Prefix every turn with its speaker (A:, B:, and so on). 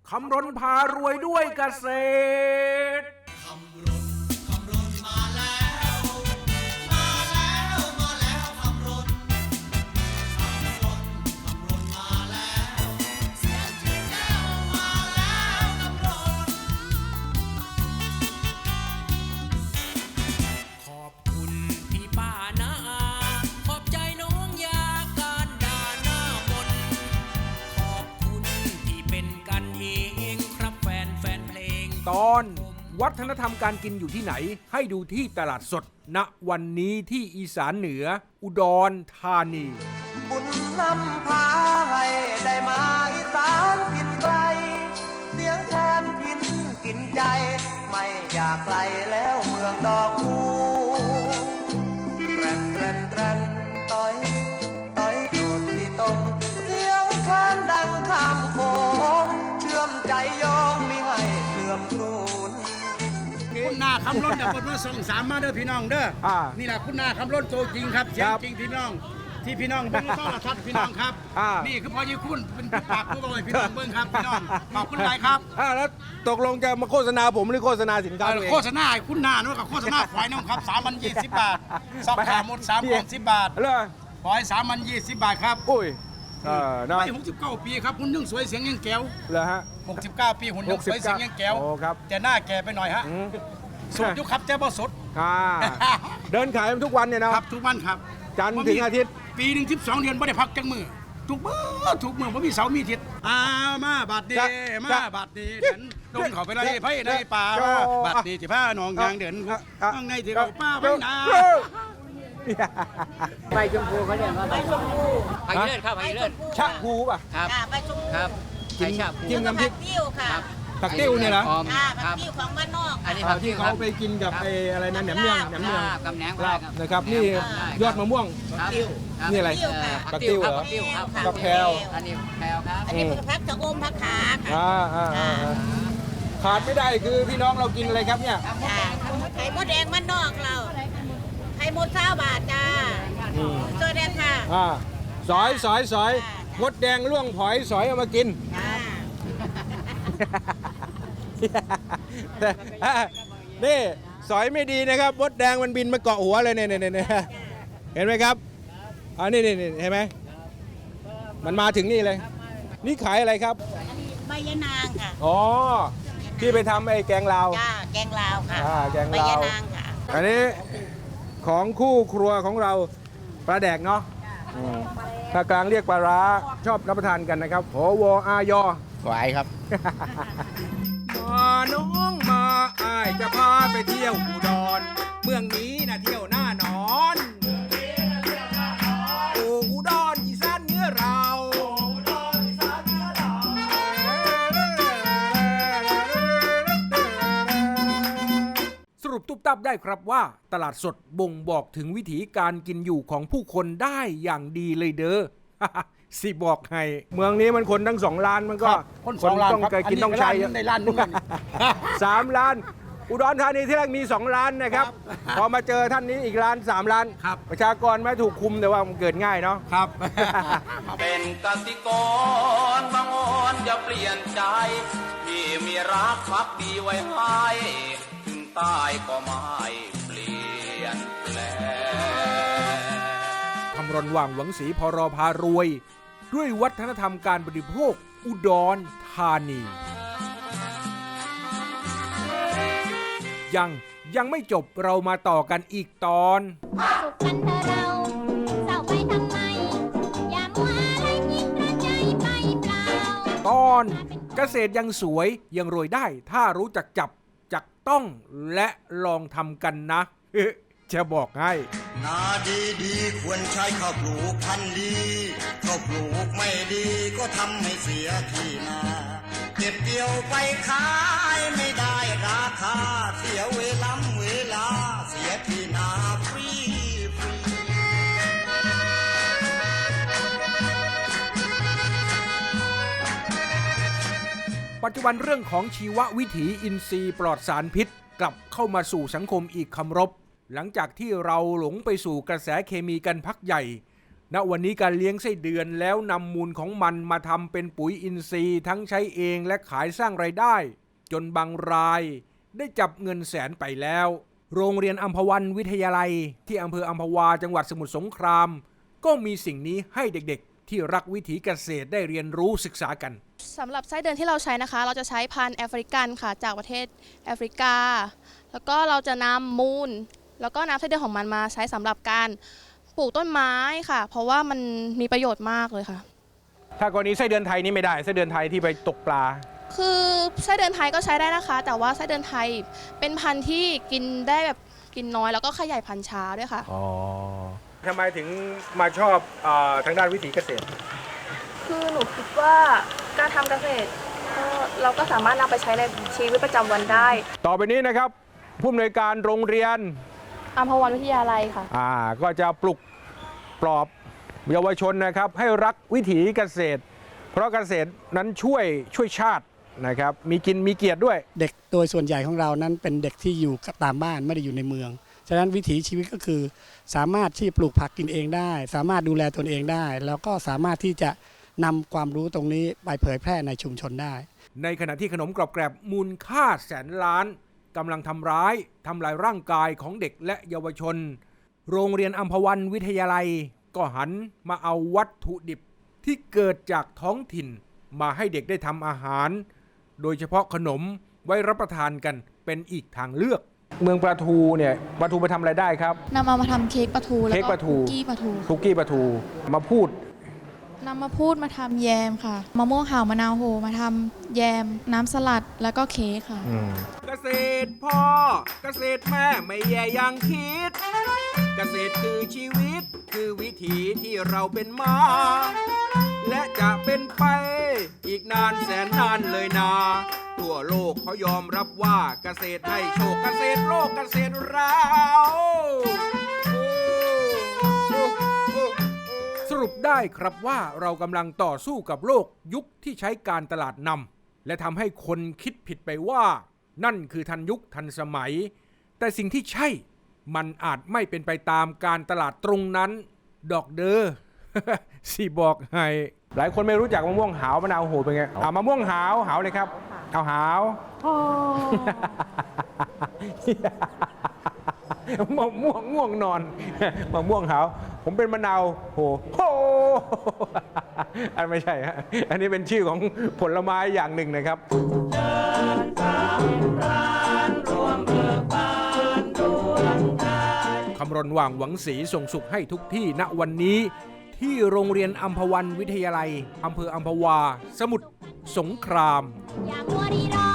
A: คำรณพารวยด้วยเกษตรตอนวัฒนธรรมการกินอยู่ที่ไหนให้ดูที่ตลาดสดณวันนี้ที่อีสานเหนืออุดรธานี
B: บุญนำพาให้ได้มาอีสานกินไกลเสียงแทนพินกินใจไม่อยากไกลแล้วเมืองดอกคูแตรนแตรนแตรนต้อยต้อยโดดที่ตรงเสียงแคนดังข้ามโขงเชื่อมใจยองมิให้เสื่อมสูญ
C: คุณนาคำล้นเนี่ยบทมาส่งสามมาเด้อพี่น้องเด้อนี่แหละคุณนาคำล้นตัวจริงครับเสียงจริงพี่น้องที่พี่น้องเบิ้งต้อนรับพี่น้องครับนี่คือพอยี่คุณเป็นปากผู้บริพี่น้องเบิ้งครับพี่น้องขอบคุณหลายครับ
A: แล้วตกลงจะมาโฆษณาผมหรือโฆษณาสินค้า
C: โฆษณาคุณนาโน้ตกับโฆษณาควายน้องครับ3,020 บาทซอกขาหมด3,010 บาทควาย3,020 บาทครับ
A: อุ้ย
C: ไม่69 ปีครับหุ่นยังสวยเสียงยังแก้ว
A: เหรอฮะ
C: 69 ปีหุ่นยังสวยเสียงยังแก้วแต่หน้าแก่ไปหน่อยฮะสดยุครับเจ้าบ่สด
A: เดินขายทุกวันเนี่ยนะครับ
C: ทุกวันครับ
A: จันทร์ถึงอาทิตย์
C: ปีหนึ่ง12 เดือนไม่ได้พักจังมือทุกมือผมมีเสาร์มีอาทิตย์มาบัดดีมาบัดดีเดินลงเขาไปเลยไผ่ในป่าบัดดีที่ผ้าหนองยางเดินข้างในที่เขาป้าไว้นา
D: ใบชมพูเขาเรียกว่าใบชมพูใบเลือดครับใบเลือด
A: ชะพูป่ะ
D: ครับใบชมพูครับ
A: กินน้ำพริก
E: ติ้วค่ะ
A: ผักติ้วเนี่ยเหรอ
E: ผักติ้วของบ้านนอก
D: อันนี้ผัก
A: ที่เขาไปกินกับไอ้อะไรนะแหนมเนือง
D: กับแหนม
A: นะครับนี่ยอดมะม่วงนี่อะไรผักติ้วเหรอผักแพรว
D: อันนี้แพรวครับ
E: อันนี้ผักชะอมผักขา
A: ขาดไม่ได้คือพี่น้องเรากินอะไรครับเนี่ย
E: ไข่มดแดงบ้านนอกเราไข่มด20 บาทจ้าตัวแดงค่ะ
A: สอยมดแดงล่วงผอยสอยเอามากินนี่สอยไม่ดีนะครับมดแดงมันบินมาเกาะหัวเลยเนี่ยเห็นไหมครับนี่เห็นไหมมันมาถึงนี่เลยนี่ขายอะไรครับ
E: ใบยะนางค่ะ
A: อ๋อที่ไปทำไอ้แกงลาว
E: จ้าแกงลาวค่ะ
A: แกงลาว
E: ใบยะนางค่ะ
A: อันนี้ของคู่ครัวของเราปลาแดกเนาะภาคกลางเรียกปลาร้าชอบรับประทานกันนะครับโหวอายอ
C: ไหวครับ
A: มาน้องมาอ้ายจะพาไปเที่ยวอุดรเมืองนี้นะเที่ยวหน้านอนโอ้อุดรอีสานเหนือเราสรุปตุ๊บตับได้ครับว่าตลาดสดบ่งบอกถึงวิถีการกินอยู่ของผู้คนได้อย่างดีเลยเด้อสิบอกให้เมืองนี้มันคนทั้ง2 ล้านมันก็
C: คน2 ล้าน
A: ต้องกินต้องใช้
C: ในล้านนึง
A: 3 ล้านอุดรธานีที่แรกมี2 ล้านนะครับพอมาเจอท่านนี้อีกล้าน3 ล้านประชากรไม่ถูกคุมแต่ว่ามันเกิดง่ายเนาะ
C: ครับ
B: เป็นกสิกรบางอ่อนอย่าเปลี่ยนใจที่มีรักพักดีไว้ให้ถึงตายก็ไม่เปลี่ยนแปลง
A: คำรณว่างหวังศรีพรพารวยด้วยวัฒนธรรมการบริโภคอุดรธานียังไม่จบเรามาต่อกันอีกตอนสุขกันเธอเราเศร้าไปทำไมอย่ามัวอะไรยิ่งกระใจไปเปล่าตอนเกษตรยังสวยยังรวยได้ถ้ารู้จักจับจักต้องและลองทำกันนะจะบอกให้
B: นาดีควรใช้ข้าวปลูกพันธุ์ดีข้าวปลูกไม่ดีก็ทำให้เสียที่นาเก็บเกี่ยวไปขายไม่ได้ราคาเสียเวลาเสียที่นาฟรี
A: ปัจจุบันเรื่องของชีววิถีอินทรีย์ปลอดสารพิษกลับเข้ามาสู่สังคมอีกคำรบหลังจากที่เราหลงไปสู่กระแสเคมีกันพักใหญ่ณวันนี้การเลี้ยงไส้เดือนแล้วนำมูลของมันมาทำเป็นปุ๋ยอินทรีย์ทั้งใช้เองและขายสร้างรายได้จนบางรายได้จับเงินแสนไปแล้วโรงเรียนอัมพวันวิทยาลัยที่อำเภออัมพวาจังหวัดสมุทรสงครามก็มีสิ่งนี้ให้เด็กๆที่รักวิถีเกษตรได้เรียนรู้ศึกษากัน
F: สำหรับไส้เดือนที่เราใช้นะคะเราจะใช้พันธุ์แอฟริกันค่ะจากประเทศแอฟริกาแล้วก็เราจะนำมูลแล้วก็น้ำไส้เดือนของมันมาใช้สำหรับการปลูกต้นไม้ค่ะเพราะว่ามันมีประโยชน์มากเลยค่ะ
A: ถ้ากรณีไส้เดือนไทยนี่ไม่ได้ไส้เดือนไทยที่ไปตกปลา
F: คือไส้เดือนไทยก็ใช้ได้นะคะแต่ว่าไส้เดือนไทยเป็นพันธุ์ที่กินได้แบบกินน้อยแล้วก็ขยายพันธุ์ช้าด้วยค่ะ
A: อ๋อทำไมถึงมาชอบทางด้านวิถีเกษตร
F: คือหนูคิดว่าการทำเกษตรเราก็สามารถนำไปใช้ในชีวิตประจำวันได้
A: ต่อไปนี้นะครับผู้อำนวยการโรงเรียน
F: อัมพวันวิทยาลัยค่ะ
A: ก็จะปลุกปลอบเยาวชนนะครับให้รักวิถีเกษตรเพราะเกษตรนั้นช่วยชาตินะครับมีกินมีเกียรติด้วย
G: เด็กโดยส่วนใหญ่ของเรานั้นเป็นเด็กที่อยู่ตามบ้านไม่ได้อยู่ในเมืองฉะนั้นวิถีชีวิตก็คือสามารถที่ปลูกผักกินเองได้สามารถดูแลตนเองได้แล้วก็สามารถที่จะนำความรู้ตรงนี้ไปเผยแพร่ในชุมชนได้
A: ในขณะที่ขนมกรอบแกรบมูลค่าแสนล้านกำลังทำลายร่างกายของเด็กและเยาวชนโรงเรียนอัมพวันวิทยาลัยก็หันมาเอาวัตถุดิบที่เกิดจากท้องถิ่นมาให้เด็กได้ทำอาหารโดยเฉพาะขนมไว้รับประทานกันเป็นอีกทางเลือกเมืองปลาทูเนี่ยปลาทูไปทำอะไรได้ครับ
F: นำเอามาทำเค้กปลาทูแล้วก็คุกกี้ปลา
A: ทูมาพูด
F: มาทำแยมค่ะมะม่วงห่าวมะนาวโหมาทำแยมน้ำสลัดแล้วก็เค้กค่ะ
A: เกษตรพ่อเกษตรแม่ไม่แย่อย่างคิดเกษตรคือชีวิตคือวิถีที่เราเป็นมาและจะเป็นไปอีกนานแสนนานเลยนาทั่วโลกเขายอมรับว่าเกษตรให้โชคเกษตรโลกเกษตรเราสรุปได้ครับว่าเรากำลังต่อสู้กับโลกยุคที่ใช้การตลาดนำและทำให้คนคิดผิดไปว่านั่นคือทันยุคทันสมัยแต่สิ่งที่ใช่มันอาจไม่เป็นไปตามการตลาดตรงนั้นดอกเดอ สิบอกให้หลายคนไม่รู้จักมะม่วงหาวมะนาวโหเป็นไงมะม่วงหาวเลยครับเอาหาวมะม่วงง่วงนอนมะม่วงหาวผมเป็นมะนาวโหอันไม่ใช่ฮะอันนี้เป็นชื่อของผลไม้อย่างหนึ่งนะครับคำรณว่างหวังศรีส่งสุขให้ทุกที่ณวันนี้ที่โรงเรียนอัมพวันวิทยาลัยอำเภออัมพวาสมุทรสงครามอย่ามัวรีรอ